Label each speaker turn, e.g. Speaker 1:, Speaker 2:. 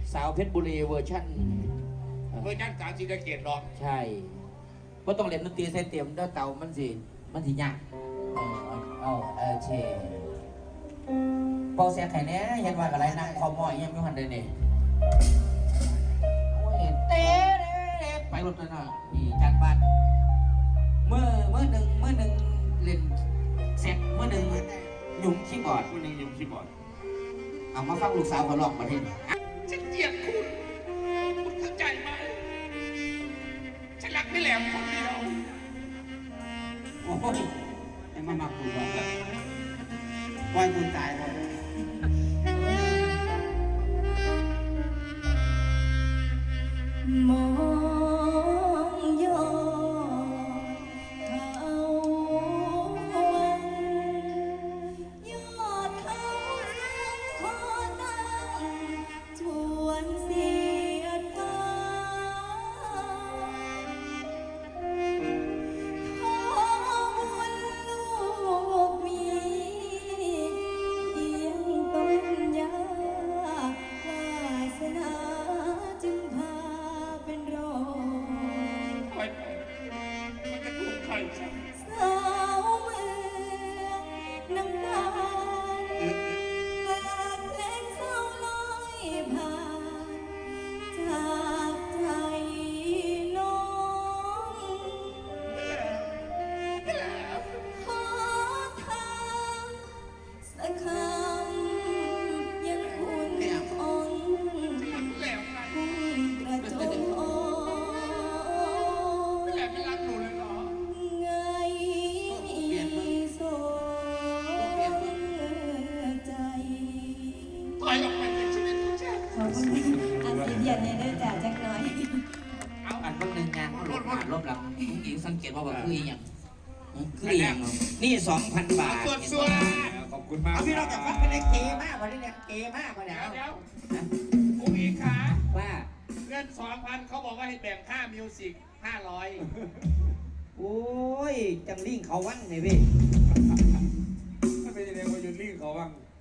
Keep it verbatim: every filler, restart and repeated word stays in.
Speaker 1: สาวเพชรบุรีเวอร์ชั่น
Speaker 2: เวอร์ชันสาวศรีสะเกษร้อง
Speaker 1: ใช่เพราะต้องเล่นดนตรีใส่เต็มแล้วเตามันสิมันสิยากเออเอาเออเชเป่าเสียไข่เนี้ยเห็นว่าอะไรนั่งคอมอยยังไม่หันเลยเนี่ยโอ้ยเต้ไปรถเลยนะนี่จันบ้านเมื่อเมื่อหนึ่งเมื่อหนึ่งเล่นเสียงเมื่อหนึ่งหยุ่มคีย์บอร์ด
Speaker 2: คนหนึ่งยุ่มคีย์บอร์ด
Speaker 1: เอามาฟังลูกสาวเขาลองมาที
Speaker 2: ฉันเกลียดคุณคุณเข้าใจไหมฉันรักพี่แหลมคนเดียว
Speaker 1: โอ้ยไอ้มามาคุยก่อนปล่อยคุณตายหมด
Speaker 3: มองย้อนเขาวันยอดเขาขอตั้งจวนเสียดฟ้าขอบุญลูกมีเพียงต้นยาวาสนาจึงพาเป็นรอย
Speaker 2: ไปมันจะถูกใครใช่
Speaker 3: สาวเมืองน้ำตาลบาดเพลงเศร้าลอยผ่านจากใจน้องขอทางสักคำยังคุณอ่อน
Speaker 2: แหลมไง
Speaker 3: กระจงอ่อน
Speaker 2: พี่แหลมไม่รักหนูเลยเหรอ
Speaker 3: ไงโซใจ
Speaker 2: ถอยออกไปจากชีวิตของฉัน
Speaker 3: ขอบคุณอาซีเดียนในเด้อจ่าจักหน่อย
Speaker 1: เอาอันคนหนึ่งงานเขาลบหลังลบหลังหญิงสังเกตว่าแบบคืออย่างคืออย่างนี่สองพันบาท
Speaker 2: ส่วนส่วนขอบคุณมาก
Speaker 1: เอาพี่เราจะฟังเป็นเกมากวันนี้เนี่ยเกมากกว่าเดี๋ยว
Speaker 2: เดี๋ยวอุ้งอิงขา
Speaker 1: ว่า
Speaker 2: เงินสองพันเขาบอกว่าให้แบ่งค่ามิวสิกห้าร้อย
Speaker 1: โอ้ยจังลิงเขาวังไงพี่
Speaker 2: ถ้าเป็นยังไงว่ายุนลิงเขาวัง